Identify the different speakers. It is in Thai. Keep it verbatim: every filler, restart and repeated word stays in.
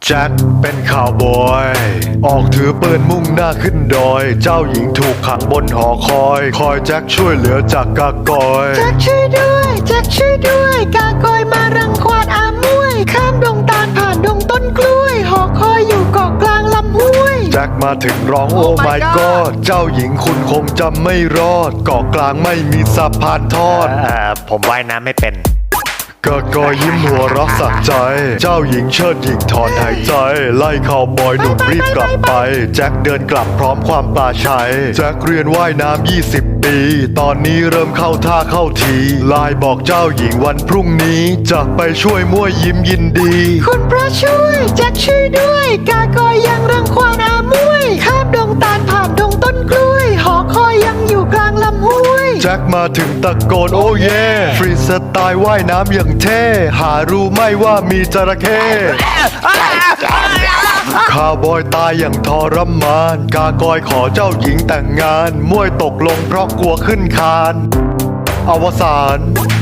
Speaker 1: แจ็คเป็นข่าวบอยออกถือปืนมุ่งหน้าขึ้นดอยเจ้าหญิงถูกขังบนหอคอยคอยแจ็คช่วยเหลือจากกากอย
Speaker 2: แจ็คช่วยด้วยแจ็คช่วยด้วยกากอยมารังควานอามวยข้ามดงตาลผ่านดงต้นกล้วยหอคอยอยู่เกาะกลางลำห้วย
Speaker 1: แจ็คมาถึงร้องโอ้
Speaker 2: Oh
Speaker 1: ไม่
Speaker 2: my
Speaker 1: ก็
Speaker 2: God
Speaker 1: เจ้าหญิงคุณคงจำไม่รอดเกาะกลางไม่มีสะพานทอด
Speaker 3: เอ่อผมว่ายน้ำไม่เป็น
Speaker 1: กะกอยิ้มหัวเรักสักใจเจ้าหญิงเชิดหญิงถอนหายใจไล่ข่าวบอยหนุ่มรีบกลับไปแจ็คเดินกลับพร้อมความปลาชัยแจ็คเรียนว่ายน้ำยี่สิบปีตอนนี้เริ่มเข้าท่าเข้าทีไลน์บอกเจ้าหญิงวันพรุ่งนี้จะไปช่วยมั่วยิ้มยินดี
Speaker 2: คุณพระช่วยแจ็คช่วยด้วยกากอยยังรังควานอามวยข้ามดงตาลผ่านดงต้นกล้วยหอคอยยังอยู่กลางลำห้วย
Speaker 1: แจ็คมาถึงตะโกนโอ้เย่ฟรีสไตล์ว่ายน้ำอย่างเท่หารู้ไหม่ว่ามีจระเข้ข้าวบอยตายอย่างทรมานกากอยขอเจ้าหญิงแต่งงานมวยตกลงเพราะกลัวขึ้นคานอวสาน